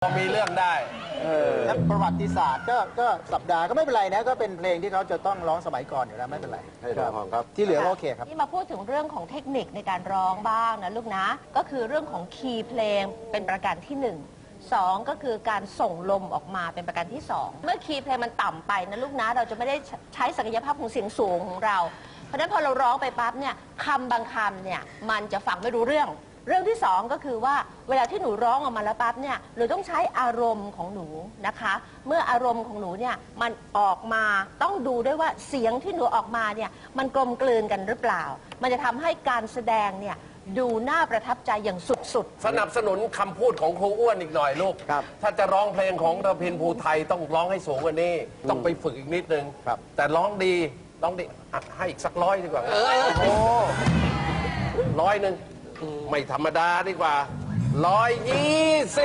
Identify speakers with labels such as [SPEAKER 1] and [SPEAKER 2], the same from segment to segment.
[SPEAKER 1] พอมีเรื่องได้
[SPEAKER 2] และประวัติศาสตร์ก็สัปดาห์ก็ไม่เป็นไรนะก็เป็นเพลงที่เขาจะต้องร้องสมัยก่อนอยู่แล้วไม่เป็นไร
[SPEAKER 3] ให้ร้องครับ
[SPEAKER 2] ที่เหลือโอเคครับ
[SPEAKER 4] ที่มาพูดถึงเรื่องของเทคนิคในการร้องบ้างนะลูกนะก็คือเรื่องของคีย์เพลงเป็นประการที่1 2ก็คือการส่งลมออกมาเป็นประการที่2เมื่อคีย์เพลงมันต่ำไปนะลูกนะเราจะไม่ได้ใช้ศักยภาพของเสียงสูงของเราเพราะฉะนั้นพอเราร้องไปปั๊บเนี่ยคำบางคำเนี่ยมันจะฟังไม่รู้เรื่องที่2ก็คือว่าเวลาที่หนูร้องออกมาแล้วปั๊บเนี่ยหนูต้องใช้อารมณ์ของหนูนะคะเมื่ออารมณ์ของหนูเนี่ยมันออกมาต้องดูด้วยว่าเสียงที่หนูออกมาเนี่ยมันกลมกลืนกันหรือเปล่ามันจะทำให้การแสดงเนี่ยดูน่าประทับใจอย่างสุด
[SPEAKER 1] ๆสนับสนุนคำพูดของครูอ้วนอีกหน่อยลูกถ้าจะร้องเพลงของระพินภูไทยต้องร้องให้สูงกว่านี้ต้องไปฝึกอีกนิดนึงแต่ร้องดีให้อีกสัก100ดีกว่าโอ้100ไม่ธรรมดาดีกว่า120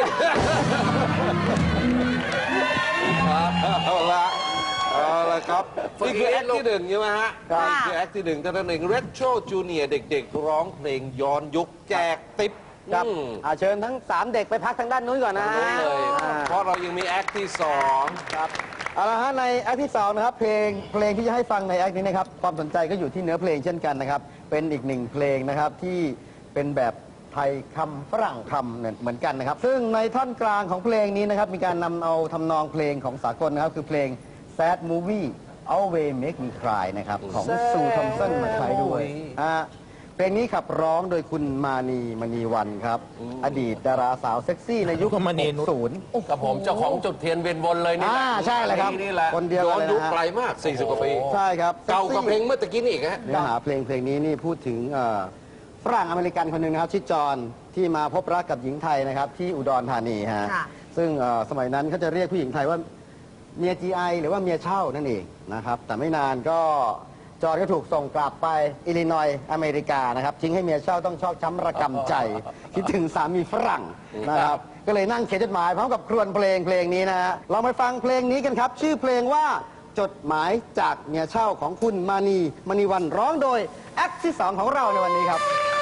[SPEAKER 3] เอาละครับนี่คือแอคที่1ใช่ไหมฮะนี่คือแอคที่1ท่านหนึ่งเรทโชจูเนียร์เด็กๆร้องเพลงย้อนยุคแจกติ๊บ
[SPEAKER 2] ครับเชิญทั้ง3เด็กไปพักทางด้านนู้นก่อนนะ
[SPEAKER 3] เลยเพราะเรายังมีแอคที่2
[SPEAKER 2] ครับเอาละฮะในแอคที่2นะครับเพลงที่จะให้ฟังในแอคนี้นะครับความสนใจก็อยู่ที่เนื้อเพลงเช่นกันนะครับเป็นอีก1เพลงนะครับที่เป็นแบบไทยคำฝรั่งคำเหมือนกันนะครับซึ่งในท่อนกลางของเพลงนี้นะครับมีการนำเอาทำนองเพลงของสากลนะครับคือเพลง Sad Movie Always Make Me Cry นะครับของซูทอมสันมาใช้ด้วยเพลงนี้ขับร้องโดยคุณมานีมณีวันครับอดีตดาราสาวเซ็กซี่ในยุค60
[SPEAKER 1] กับผมเจ้าของจุดเทียนเวียนวนเลยนี่
[SPEAKER 2] ใช่เลยครับคนเดียว
[SPEAKER 3] ย้อนยุคไกลมาก40 กว่าปี
[SPEAKER 2] ใช่ครับ
[SPEAKER 3] เก่ากว่าเพลงเมื่อตะกี้นี่อีกฮะ
[SPEAKER 2] เนื้อหาเพลงนี้นี่พูดถึงฝรั่งอเมริกันคนหนึ่งนะครับชื่อจอห์นที่มาพบรักกับหญิงไทยนะครับที่อุดรธานีฮะซึ่งสมัยนั้นเขาจะเรียกผู้หญิงไทยว่าเมีย GI หรือว่าเมียเช่านั่นเองนะครับแต่ไม่นานก็จอห์นก็ถูกส่งกลับไปอิลลินอยส์อเมริกานะครับทิ้งให้เมียเช่าต้องชอกช้ำระกำใจคิดถึงสามีฝรั่งนะครับก็เลยนั่งเขียนจดหมายพร้อมกับครวญเพลงนี้นะฮะลองไปฟังเพลงนี้กันครับชื่อเพลงว่าจดหมายจากเมียเช่าของคุณมานีมณีวันร้องโดยแอคที่2ของเราในวันนี้ครับ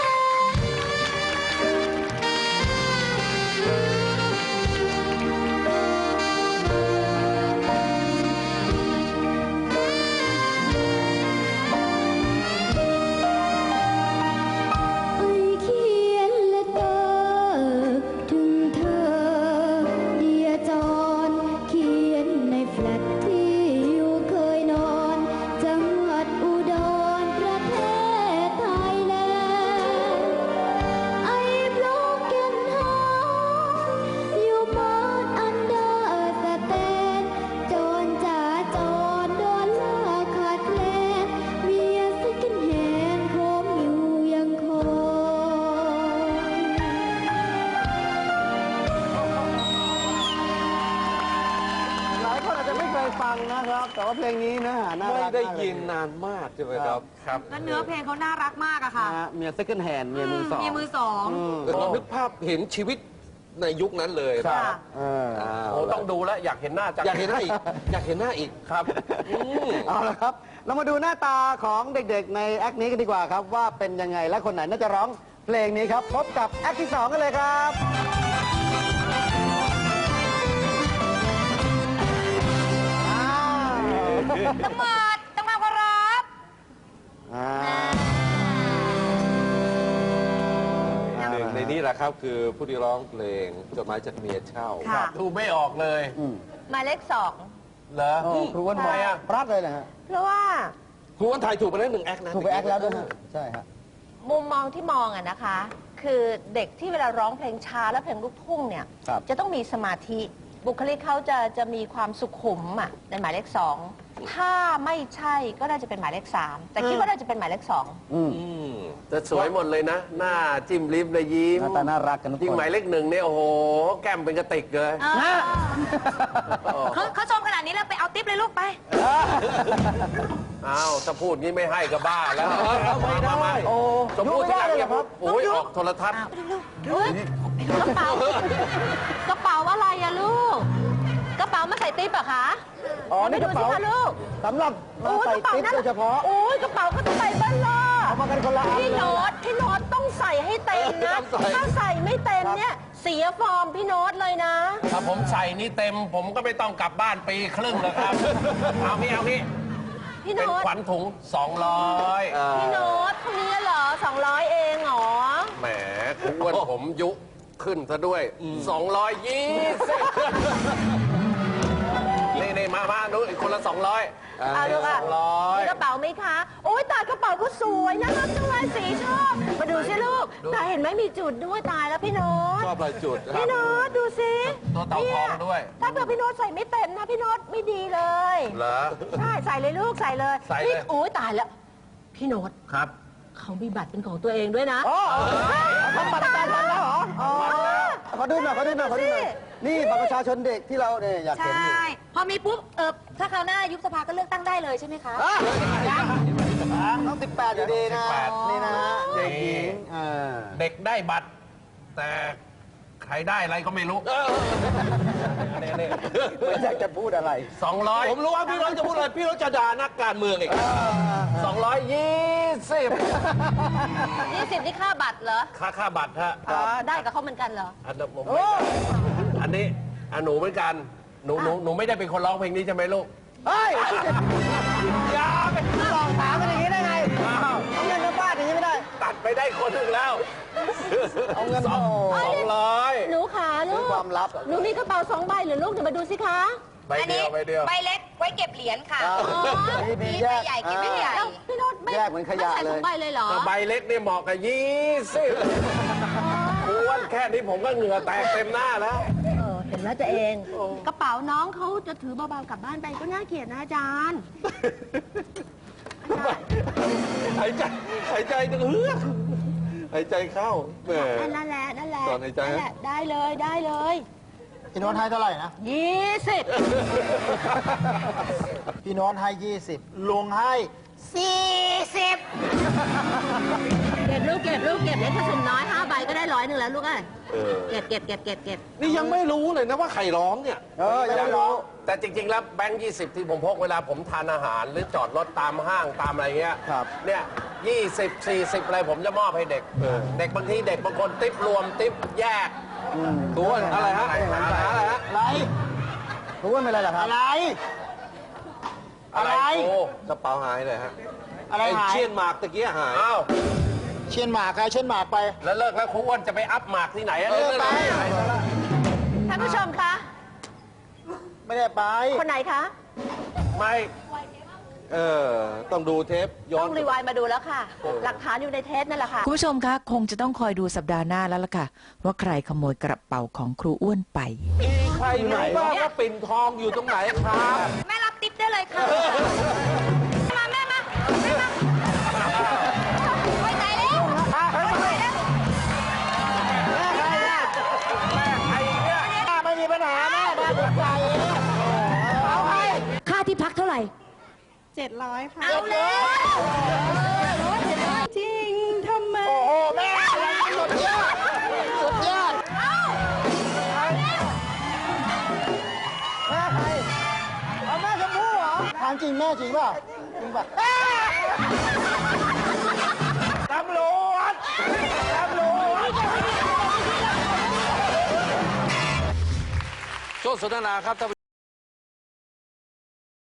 [SPEAKER 2] ฟังนะครับแต่ว่าเพลงนี้เนื้อหาน่ารัก
[SPEAKER 3] ไม่ได้ยินนานมากใช่ไหมครับ
[SPEAKER 4] แล้วเนื้อเพลงเขาน่ารักมากอะค่ะ
[SPEAKER 2] เมีย second hand เมียมือสอง
[SPEAKER 3] เรานึกภาพเห็นชีวิตในยุคนั้นเลย
[SPEAKER 2] ครับ
[SPEAKER 1] ต้องดูแล้วอยากเห็นหน้าจัง
[SPEAKER 3] อยากเห็นหน้าอีกอยากเห็นหน้าอีก
[SPEAKER 1] ครับ
[SPEAKER 2] เอาละครับเรามาดูหน้าตาของเด็กๆในแอคนี้กันดีกว่าครับว่าเป็นยังไงและคนไหนน่าจะร้องเพลงนี้ครับพบกับแอคที่2กันเลยครับ
[SPEAKER 4] ต้องมาเคารพ
[SPEAKER 3] หนึ่งในนี้แหละครับคือผู้ที่ร้องเพลงจดหมายจากเมียเช่า
[SPEAKER 1] ดูไม่ออกเลย
[SPEAKER 4] หมายเลข
[SPEAKER 1] เหรอ
[SPEAKER 2] ครูอ้วนมองพลาดเลยนะฮะ
[SPEAKER 4] เพราะว่า
[SPEAKER 3] ครูอ้วนไทยถูกไปแล้ว1 แอคนะ
[SPEAKER 2] ถูกไปแอคแล้วด้วยนะใช่ครับ
[SPEAKER 4] มุมมองที่มองอะนะคะคือเด็กที่เวลาร้องเพลงช้าและเพลงลูกทุ่งเนี่ยจะต้องมีสมาธิบุคลิกเขาจะมีความสุขุมอ่ะในหมายเลข2ถ้าไม่ใช่ก็น่าจะเป็นหมายเลข3แต่คิดว่าน่าจะเป็นหมายเลข2
[SPEAKER 1] จะสวยหมดเลยนะหน้าจิ้มลิปเลยยิ้ม
[SPEAKER 2] หน้าตาน่ารักกันทุกคน
[SPEAKER 1] ยิ่งหมายเลข1เนี่ยโอ้โหแก้มเป็นกระติกเลย
[SPEAKER 4] เขาชมขนาดนี้แล้วไปเอาติ๊บเลยลูกไป
[SPEAKER 1] อ้าวถ้าพูดงี้ไม่ให้ก็บ้าแล้ว
[SPEAKER 2] มาโอ้
[SPEAKER 1] สมพูดที่ไหนเนี่ยโอ้ยออกโทรทัศน์
[SPEAKER 4] กระเป๋าอะไรอะลูกกระเป๋ามาใส่ติ๊บอะคะ
[SPEAKER 2] นี่กระเป๋าลูกสำหรับมาใส่ติ๊บโดยเฉพาะ
[SPEAKER 4] โอ้ยกระเป๋าก็ต้องใส่บ้านล่ะ
[SPEAKER 2] เอามากันคนละอัน
[SPEAKER 4] พี่โน้ตต้องใส่ให้เต็มนะ
[SPEAKER 3] ต้องใส่
[SPEAKER 4] ถ้าใส่ไม่เต็มเนี่ยเสียฟอร์มพี่โน้ตเลยนะ
[SPEAKER 1] ถ้าผมใส่นี่เต็ม ผมก็ไม่ต้องกลับบ้านปีครึ่งแล้วครับ เอาพี่
[SPEAKER 4] พี่
[SPEAKER 1] เป็น
[SPEAKER 4] โน้ต
[SPEAKER 1] ขวัญถุง 200
[SPEAKER 4] พี่โน้ตคนนี้เหรอ200เองเหรอ
[SPEAKER 1] แหมคุณอ้วนผมยุขึ้นซะด้วย 220นี่มาดูอีกคนละ 200
[SPEAKER 4] เอาดูค่ะ
[SPEAKER 1] 200
[SPEAKER 4] มีกระเป๋าไหมคะ โอ๊ยตายกระเป๋าก็สวยน่ารักจังเลยสีชอบมาดูสิลูกตายเห็นไหมมีจุดด้วยตายแล้วพี่โน้ต
[SPEAKER 3] ชอบลายจุดครั
[SPEAKER 4] พี่
[SPEAKER 3] บ
[SPEAKER 4] โน้ตดูสิ
[SPEAKER 1] ตัวเต่าทองด้วย
[SPEAKER 4] ถ้าเกิดพี่โน้ตใส่ไม่เต็มนะพี่โน้ตไม่ดีเลย
[SPEAKER 1] เหรอ
[SPEAKER 4] ใช่ใส่เลยลูกใส่เลย
[SPEAKER 1] ใส่เลย
[SPEAKER 4] นี่โอ๊ยตายแล้ว พี่โน้ต
[SPEAKER 1] ครับ
[SPEAKER 4] เขามีบัตรเป็นของตัวเองด้วยนะ
[SPEAKER 2] อ๋อทำบัตรประชาชนแล้วเหรออ๋อขอดูหน่อยนี่บัตรประชาชนเด็กที่เราเนี่ยอยาก
[SPEAKER 5] ใช
[SPEAKER 2] เห็นอยู่
[SPEAKER 5] ่ พอมีปุ๊บ ถ้าคราวหน้ายุบสภาก็เลือกตั้งได้เลยใช่ไหมคะ
[SPEAKER 2] ต้อง18อยู่ดีนะ
[SPEAKER 1] 18
[SPEAKER 2] นี่นะฮะเด็กหญิง
[SPEAKER 1] เด็กได้บัตร แต่ใครได้อะไรก็ไม่รู้นี่
[SPEAKER 2] ไม่อยากจะพูดอะไร
[SPEAKER 1] 200
[SPEAKER 3] ผมรู้ว่าพี่น้องจะพูดอะไร พี่น้องจะด่านักการเมืองอีก
[SPEAKER 1] 220
[SPEAKER 4] 20นี่ค่าบัตรเหรอ
[SPEAKER 1] ค่าบัตรฮะ
[SPEAKER 4] อ๋อได้กับเขาเหมือนกันเหรอ
[SPEAKER 1] อันนั้นผมไม่ได้อันนี้หนูเหมือนกัน หนูไม่ได้เป็นคนร้องเพลงนี้ใช่ไหมลูก
[SPEAKER 2] เฮ้ย
[SPEAKER 1] อย่าไป
[SPEAKER 2] ลองถามกันอย่างนี้ได้ไง
[SPEAKER 1] อ้าว
[SPEAKER 2] เอาเงินมาบ้านอย่างนี้ไม่ได้
[SPEAKER 1] ตัดไปได้คนหนึ่งแล้ว
[SPEAKER 2] เอาเงิน
[SPEAKER 1] สอง
[SPEAKER 2] โอ้
[SPEAKER 1] 200
[SPEAKER 4] หนูขาลูก
[SPEAKER 2] ความลับ
[SPEAKER 4] หนูมีกระเป๋า2 ใบเหรือลูกเดี๋ยวมาดูสิคะ
[SPEAKER 1] ใบเดียวใบเดียว
[SPEAKER 5] ใบเล็กไว้เก็บเหรียญค่ะ
[SPEAKER 2] ครับ
[SPEAKER 4] อ๋อ
[SPEAKER 2] มี
[SPEAKER 5] มี
[SPEAKER 2] แย
[SPEAKER 5] ใบ
[SPEAKER 2] ก
[SPEAKER 5] ใหญ่เก็บใบใหญ่
[SPEAKER 4] แล้วพี่โน้ตไม่
[SPEAKER 2] แยกเหมือนขยะ
[SPEAKER 4] ไม่ใส่
[SPEAKER 2] เลย
[SPEAKER 4] 2 ใบเลยเหรอ
[SPEAKER 1] ก็ใบเล็กเนี่ยเหมาะกับ20อ้วนแค่นี้ผมก็เหงื่อแตกเต็มหน้าแล้ว
[SPEAKER 4] เห็นแล้วตัวเอง กระเป๋าน้องเขาจะถือเบาๆกลับบ้านไปก็น่าเกลียดนะอาจารย์
[SPEAKER 3] หายใจจะเฮือกหายใจเข้าแหม
[SPEAKER 4] นั่นแหละ
[SPEAKER 3] ตอนในใจ
[SPEAKER 4] นั่นแหละได้เลย
[SPEAKER 2] พี่โน้ตให้เท่าไหร่นะ
[SPEAKER 4] 20
[SPEAKER 2] พี่โน้ตให้ 20 ลุงให้
[SPEAKER 5] 40
[SPEAKER 4] เก็บลูกเก็บเล็กผสมน้อย5 ใบก็ได้100แล้วลูกเอ้ย
[SPEAKER 3] เออ
[SPEAKER 4] เก็บ
[SPEAKER 3] นี่ยังไม่รู้เลยนะว่าใครร้องเนี่ย
[SPEAKER 2] ยังไม่รู้
[SPEAKER 1] แต่จริง ๆ แล้วแบงค์20 ที่ผมพกเวลาผมทานอาหาร หรือจอดรถตามห้างตามอะไรเงี้ย
[SPEAKER 2] ครับ
[SPEAKER 1] เนี่ย20 40 อะไรผมจะมอบให้เด็ก เด็กบางทีเด็กบางคนติ๊บรวมติ๊บแยก
[SPEAKER 3] ตัวอะไรฮะหาอะไรฮะ
[SPEAKER 2] อะไรรู้ว่าเป็นอะไรเหรอครับ อะไร
[SPEAKER 1] อะไรโอ้
[SPEAKER 3] กระเป๋าหายเลยฮะ
[SPEAKER 2] อะไร
[SPEAKER 3] ไอ้
[SPEAKER 2] หาย
[SPEAKER 3] เชียนหมากตะกี้หาย
[SPEAKER 1] อ้าว
[SPEAKER 2] เชียนหมากใครเชียนหมากไป
[SPEAKER 1] แล้วเลิกแล้วครูอ้วนจะไปอัพหมากที่ไหนอะ
[SPEAKER 2] เออ
[SPEAKER 1] เลิก
[SPEAKER 2] ไป
[SPEAKER 1] ที่ไหน
[SPEAKER 4] ท่านผู้ชมคะ
[SPEAKER 2] ไม่ได้ไป
[SPEAKER 4] คนไหนคะ
[SPEAKER 1] ไม่
[SPEAKER 3] เออ ต้องดูเทปย้อ
[SPEAKER 4] ต้อน งรีไวน์มาดูแล้วค่ะ หลักฐานอยู่ในเทปนั่นแหละค่ะ
[SPEAKER 6] คุณผู้ชมคะคงจะต้องคอยดูสัปดาห์หน้าแล้วล่ะค่ะ ว่าใครขโมยกระเป๋าของครูอ้วนไป
[SPEAKER 3] มีใครรู้บ้างว่าปิ่นทองอยู่ตรงไหนครับ
[SPEAKER 5] แม่รับติ๊บได้เลยค่ะ มาแม่มาไว้ใจแล้วไว้ใจแล้ว
[SPEAKER 2] ไม่มีปัญหาแม่มาถูกใจเอาให้
[SPEAKER 6] ค่าที่พักเท่าไหร่
[SPEAKER 7] 700 ค่ะ
[SPEAKER 5] เอาแล้ว
[SPEAKER 7] จริงทำไม
[SPEAKER 2] โอ้โหแม่สุดยอดสุดยอดแม่ใครเอาแม่ชมพู่เหรอถามจริงแม่จริงเปล่าจริงป่ะ
[SPEAKER 1] ตำรวจ
[SPEAKER 3] ช่วงสนทนาครับท่านผู้ชม